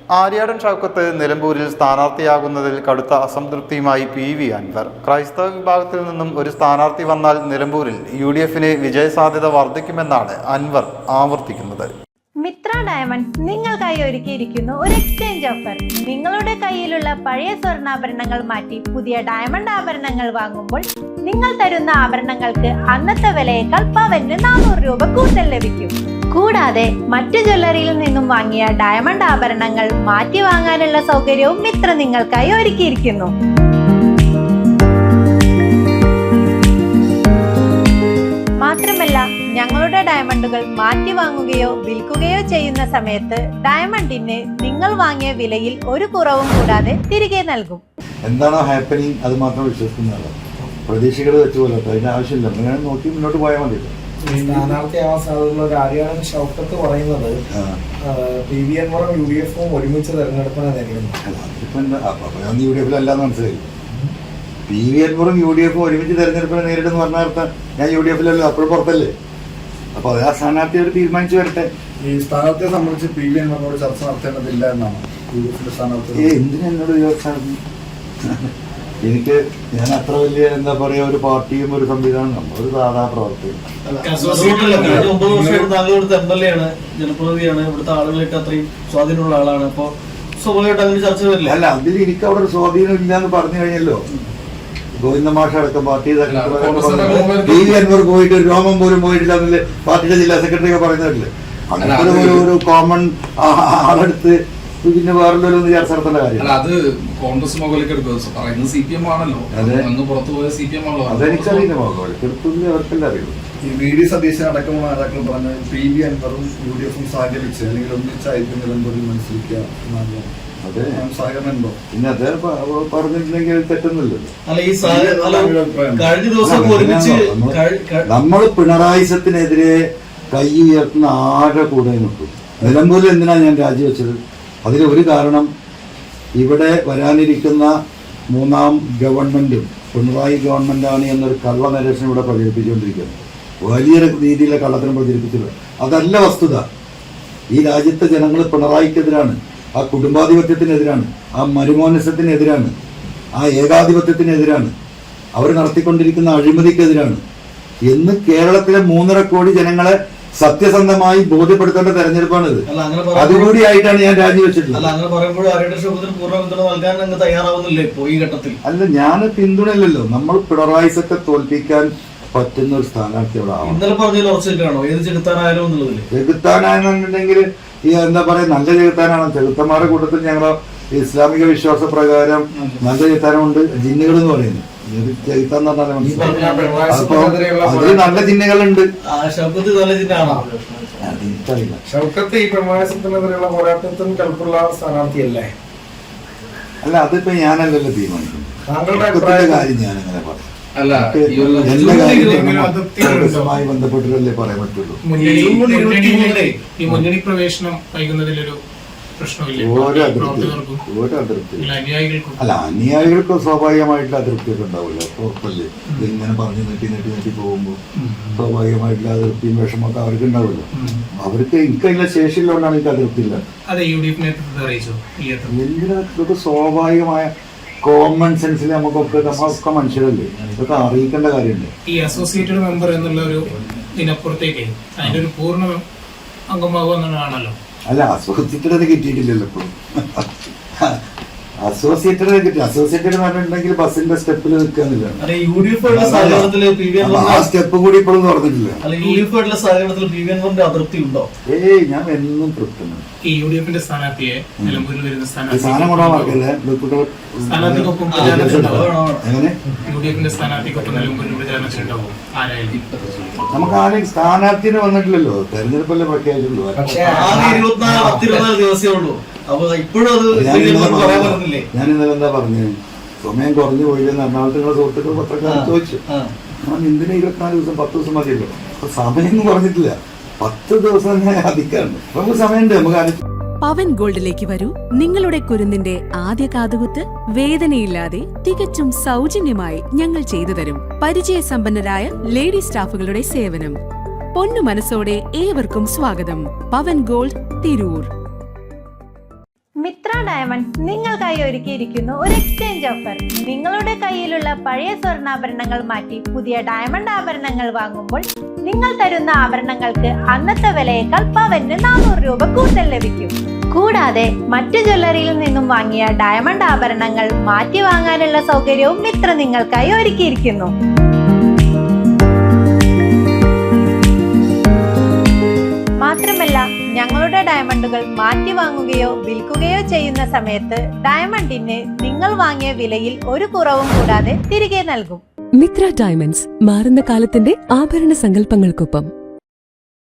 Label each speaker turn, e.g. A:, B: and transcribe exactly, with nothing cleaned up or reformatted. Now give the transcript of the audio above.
A: ആര്യാടൻ ഷൗക്കത്ത് നിലമ്പൂരിൽ സ്ഥാനാർത്ഥിയാകുന്നതിൽ കടുത്ത അസംതൃപ്തിയുമായി P V Anwar. ക്രൈസ്തവ വിഭാഗത്തിൽ നിന്നും ഒരു സ്ഥാനാർത്ഥി വന്നാൽ നിലമ്പൂരിൽ യു ഡി എഫിന് വിജയസാധ്യത വർദ്ധിക്കുമെന്നാണ് അൻവർ ആവർത്തിക്കുന്നത്.
B: മിത്ര ഡയമണ്ട്സ് നിങ്ങൾക്കായി ഒരുക്കിയിരിക്കുന്നു ഒരു എക്സ്ചേഞ്ച് ഓഫർ. നിങ്ങളുടെ കയ്യിലുള്ള പഴയ സ്വർണ്ണാഭരണങ്ങൾ മാറ്റി പുതിയ ഡയമണ്ട് ആഭരണങ്ങൾ വാങ്ങുമ്പോൾ നിങ്ങൾ തരുന്ന ആഭരണങ്ങൾക്ക് അന്നത്തെ വിലയേക്കാൾ പവന് നാനൂറ് രൂപ കൂടുതൽ ലഭിക്കും. കൂടാതെ മറ്റു ജ്വല്ലറിയിൽ നിന്നും വാങ്ങിയ ഡയമണ്ട് ആഭരണങ്ങൾ മാറ്റി വാങ്ങാനുള്ള സൗകര്യവും മിത്ര നിങ്ങൾക്കായി ഒരുക്കിയിരിക്കുന്നു. മാത്രമല്ല, ഞങ്ങളുടെ ഡയമണ്ടുകൾ മാറ്റി വാങ്ങുകയോ വിൽക്കുകയോ ചെയ്യുന്ന സമയത്ത് ഡയമണ്ടിന് നിങ്ങൾ വാങ്ങിയ വിലയിൽ ഒരു കുറവും കൂടാതെ തിരികെ നൽകും.
C: എന്താണോ ഹാപ്പനിങ് അത് മാത്രം വിശ്വസിക്കുന്നതാണ്. പ്രതീക്ഷകൾ വെച്ചുപോലെ അതിന്റെ ആവശ്യമില്ല, അങ്ങനെ നോക്കി മുന്നോട്ട് പോയാൽ മതി.
D: സ്ഥാനാർത്ഥിയാവാൻ സാധ്യതയുള്ള ഒരു ആര്യാടൻ ഷൗക്കത്ത് പറയുന്നത് പി വി അൻവറും യു ഡി എഫും ഒരുമിച്ച് തെരഞ്ഞെടുപ്പിനെ നേരിടുന്നു.
C: അതിപ്പോ എന്താ യു ഡി എഫിൽ അല്ലാന്ന് മനസ്സിലായി. പി വി അൻവറും യു ഡി എഫും ഒരുമിച്ച് തെരഞ്ഞെടുപ്പിനെ നേരിടുന്ന പറഞ്ഞാൽ ഞാൻ യു ഡി എഫിലല്ലോ, അപ്പോഴും പുറത്തല്ലേ. അപ്പൊ അത് ആ സ്ഥാനാർത്ഥി അവർ തീരുമാനിച്ചു വരട്ടെ.
D: ഈ സ്ഥാനാർത്ഥിയെ സംബന്ധിച്ച് പി വി അൻവറിനോട് ചർച്ച നടത്തേണ്ടതില്ല എന്നാണ് യു ഡി എഫിന്റെ സ്ഥാനാർത്ഥി.
C: ഏ എന്തിനാ എന്നോട് ചോദിച്ചാൽ എനിക്ക് ഞാൻ അത്ര വലിയ എന്താ പറയാ ഒരു പാർട്ടിയും ഒരു സംവിധാനം നമ്മളൊരു സാധാ പ്രവർത്തകൻ.
E: ഒമ്പത് വർഷമായിട്ട് താങ്കൾ ഇവിടുത്തെ എം എൽ എ ആണ്, ജനപ്രതിനിധിയാണ്, ഇവിടുത്തെ ആളുകളൊക്കെ അത്രയും സ്വാധീനമുള്ള ആളാണ്. അപ്പൊ സ്വാഭാവികമായിട്ട് അങ്ങനെ ചർച്ച വരില്ല.
C: അല്ല, അതിൽ എനിക്ക് അവിടെ ഒരു സ്വാധീനം ഇല്ലാന്ന് പറഞ്ഞു കഴിഞ്ഞല്ലോ. ഗോവിന്ദ മാഷ അടക്കം പാർട്ടി പി വി അൻവർ പോയിട്ട് രോമം പോലും പോയിട്ടില്ല എന്നല്ലേ പാർട്ടിയുടെ ജില്ലാ സെക്രട്ടറി ഒക്കെ പറയുന്നതല്ലേ. അങ്ങനത്തെ ഒരു കോമൺ ആളെടുത്ത് പിന്നെ വേറെന്തോലും ചർച്ച നടത്തേണ്ട കാര്യം.
F: അത് കോൺഗ്രസ് മുകളിലേക്ക് പറയുന്നത് സി പി എം ആണല്ലോ, പുറത്തു പോയ സി പി എം ആണല്ലോ.
C: അതെനിക്കറിയില്ല, മുകളിലേക്ക് അവർക്കെല്ലാം അറിയുള്ളൂ.
D: ഈ വി ഡി സതീശൻ അടക്കമുള്ള നേതാക്കൾ പറഞ്ഞ പി വി അൻവറും യു ഡി എഫും സഹകരിച്ച് അല്ലെങ്കിൽ ഒന്നിച്ചായിരിക്കും നിലമ്പൂരിൽ മത്സരിക്കുക എന്നാണ്. അതെ, സഹകരണം ഉണ്ടോ? പിന്നെ അത് പറഞ്ഞിട്ടുണ്ടെങ്കിൽ തെറ്റൊന്നുമില്ലല്ലോ. നമ്മൾ പിണറായിസത്തിനെതിരെ കൈ ഉയർത്തുന്ന ആരുടെ കൂടെ നിൽക്കും. നിലമ്പൂരിൽ എന്തിനാണ് ഞാൻ രാജിവെച്ചത്? അതിന് ഒരു കാരണം, ഇവിടെ വരാനിരിക്കുന്ന മൂന്നാം ഗവൺമെന്റും പിണറായി ഗവൺമെന്റാണ് എന്നൊരു കള്ള നരേഷൻ ഇവിടെ പ്രചരിപ്പിച്ചുകൊണ്ടിരിക്കുന്നത്. വലിയ രീതിയിലെ കള്ളത്തിനും പ്രചരിപ്പിച്ചത് അതല്ല വസ്തുത. ഈ രാജ്യത്തെ ജനങ്ങൾ പിണറായിക്കെതിരാണ്, ആ കുടുംബാധിപത്യത്തിനെതിരാണ്, ആ മരുമോനസത്തിനെതിരാണ്, ആ ഏകാധിപത്യത്തിനെതിരാണ്, അവർ നടത്തിക്കൊണ്ടിരിക്കുന്ന അഴിമതിക്കെതിരാണ് എന്ന് കേരളത്തിലെ മൂന്നര കോടി ജനങ്ങളെ സത്യസന്ധമായി ബോധ്യപ്പെടുത്തേണ്ട തെരഞ്ഞെടുപ്പാണിത്. അതുകൂടിയായിട്ടാണ് ഞാൻ രാജിവെച്ചിട്ടുള്ളത്. അല്ല, ഞാൻ പിന്തുണയില്ലല്ലോ. നമ്മൾ പിണറായിസത്തെ തോൽപ്പിക്കാൻ പറ്റുന്ന ഒരു സ്ഥാനാർത്ഥി അവിടെ ആവണം. ചെകുത്താനാണെന്നുണ്ടെങ്കിൽ ഈ എന്താ പറയാ, നല്ല ചെകുത്താനാണ്. ചെകുത്തന്മാരുടെ കൂട്ടത്തിൽ ഞങ്ങൾ ഇസ്ലാമിക വിശ്വാസ പ്രകാരം നല്ല ചെകുത്താനുണ്ട്, ജിന്നുകൾ എന്ന് പറയുന്നത്. ചെകുത്താന്ന് പറഞ്ഞാൽ അപ്പൊ അതിൽ നല്ല ജിന്നുകളുണ്ട്. ഷൗക്കത്ത് ഈ പ്രമാസത്തിനെതിരെയുള്ള പോരാട്ടത്തിന് കൽപ്പുള്ള സ്ഥാനാർത്ഥിയല്ലേ?
C: അല്ല, അതിപ്പോ ഞാനല്ലല്ലോ തീരുമാനിക്കുന്നത്.
D: താങ്കളുടെ
C: കാര്യം ഞാനങ്ങനെ പറഞ്ഞു.
F: അല്ല,
C: എല്ലാ കാര്യങ്ങളുമായി ബന്ധപ്പെട്ടിട്ടല്ലേ പറയാൻ പറ്റുള്ളൂ.
G: ഈ മുന്നണി പ്രവേശനം വൈകുന്നതിലൊരു
C: ഒരു അതൃപ്തി ഒരു അതൃപ്തി അല്ല, അനുയായികൾക്ക് സ്വാഭാവികമായിട്ടുള്ള അതൃപ്തിയൊക്കെ ഉണ്ടാവില്ല. ഉറപ്പല്ലേ, ഇതിങ്ങനെ പറഞ്ഞ് നീട്ടി നീട്ടി നീട്ടി പോകുമ്പോൾ സ്വാഭാവികമായിട്ടുള്ള അതൃപ്തിയും വിഷമൊക്കെ അവർക്ക് ഉണ്ടാവില്ല. അവർക്ക് എനിക്കതിന്റെ ശേഷിയിലുകൊണ്ടാണ് എനിക്ക് അതൃപ്തി ഇല്ല. ഇതൊക്കെ സ്വാഭാവികമായ കോമൺ സെൻസിൽ നമുക്കൊക്കെ നമ്മളൊക്കെ മനുഷ്യരല്ലേ, ഇതൊക്കെ അറിയിക്കേണ്ട കാര്യമുണ്ട്.
G: ഈ അസോസിയേറ്റഡ് മെമ്പർ എന്നുള്ള ഒരു ഇതിനപ്പുറത്തേക്ക് അതിന്റെ ഒരു പൂർണ്ണ അംഗമാകുന്നതാണല്ലോ.
C: അല്ല, അസോസിയേറ്റഡ് കിട്ടിയിട്ടില്ലല്ലോ ഇപ്പോഴും. അസോസിയേറ്റഡ് കിട്ടി. അസോസിയേറ്റഡ് എന്ന് പറഞ്ഞിട്ടുണ്ടെങ്കിൽ ബസിന്റെ സ്റ്റെപ്പിൽ നിൽക്കാന്നില്ല. ആ സ്റ്റെപ്പ് കൂടി ഇപ്പോഴും തുറന്നിട്ടില്ല. ഏയ്, ഞാൻ എന്നും തൃപ്തനാണ്.
G: ഈ യു ഡി എഫിന്റെ സ്ഥാനാർത്ഥിയെ നിലമ്പൂരിൽ വരുന്ന
C: സാധനം കൊണ്ടാ മറക്കല്ലേ.
G: സ്ഥാനാർത്ഥിക്കൊപ്പം
C: എങ്ങനെ
G: യു ഡി എഫിന്റെ സ്ഥാനാർത്ഥിക്കൊപ്പം നിലമ്പൂരിൽ പ്രചാരണത്തിലുണ്ടാവും ആരായാലും?
C: നമുക്ക് ആരെയും സ്ഥാനാർത്ഥിനെ വന്നിട്ടില്ലല്ലോ, തെരഞ്ഞെടുപ്പല്ലേ പ്രഖ്യാപിച്ചുള്ളൂ. ഞാൻ ഇന്നലെ എന്താ പറഞ്ഞു, സമയം കുറഞ്ഞു പോയില്ലെന്ന് എറണാകുളത്ത് നിങ്ങളുടെ സുഹൃത്തുക്കൾ പത്രക്കാർ ചോദിച്ചു. ഞാൻ എന്തിനാ ഇരുപത്തിനാല് ദിവസം പത്ത് ദിവസം മതിയല്ലോ. അപ്പൊ സമയം പറഞ്ഞിട്ടില്ല, പത്ത് ദിവസം ഞാൻ അധികമാണ്. നമുക്ക് സമയമുണ്ട്. നമുക്ക്
H: പവൻ ഗോൾഡിലേക്ക് വരൂ. നിങ്ങളുടെ കുരുന്നിന്റെ ആദ്യ കാതുകുത്ത് വേദനയില്ലാതെ തികച്ചും സൗജന്യമായി ഞങ്ങൾ ചെയ്തു തരും. പരിചയസമ്പന്നരായ ലേഡി സ്റ്റാഫുകളുടെ സേവനം. പൊന്നു മനസ്സോടെ ഏവർക്കും സ്വാഗതം. പവൻ ഗോൾഡ്, തിരൂർ.
B: മിത്ര ഡയമണ്ട്സ് നിങ്ങൾക്കായി ഒരുക്കിയിരിക്കുന്നു ഒരു എക്സ്ചേഞ്ച് ഓഫർ. നിങ്ങളുടെ കയ്യിലുള്ള പഴയ സ്വർണ്ണാഭരണങ്ങൾ മാറ്റി പുതിയ ഡയമണ്ട് ആഭരണങ്ങൾ വാങ്ങുമ്പോൾ നിങ്ങൾ തരുന്ന ആഭരണങ്ങൾക്ക് അന്നത്തെ വിലയേക്കാൾ പവന് നാനൂറ് രൂപ കൂടുതൽ ലഭിക്കും. കൂടാതെ മറ്റു ജ്വല്ലറിയിൽ നിന്നും വാങ്ങിയ ഡയമണ്ട് ആഭരണങ്ങൾ മാറ്റി വാങ്ങാനുള്ള സൗകര്യവും മിത്ര നിങ്ങൾക്കായി ഒരുക്കിയിരിക്കുന്നു. മാത്രമല്ല, ഞങ്ങളുടെ ഡയമണ്ടുകൾ മാറ്റി വാങ്ങുകയോ വിൽക്കുകയോ ചെയ്യുന്ന സമയത്ത് ഡയമണ്ടിന് നിങ്ങൾ വാങ്ങിയ വിലയിൽ ഒരു കുറവും കൂടാതെ തിരികെ നൽകും.
I: മിത്ര ഡയമണ്ട്സ്, മാറുന്ന കാലത്തിന്റെ ആഭരണ സങ്കല്പങ്ങൾക്കൊപ്പം.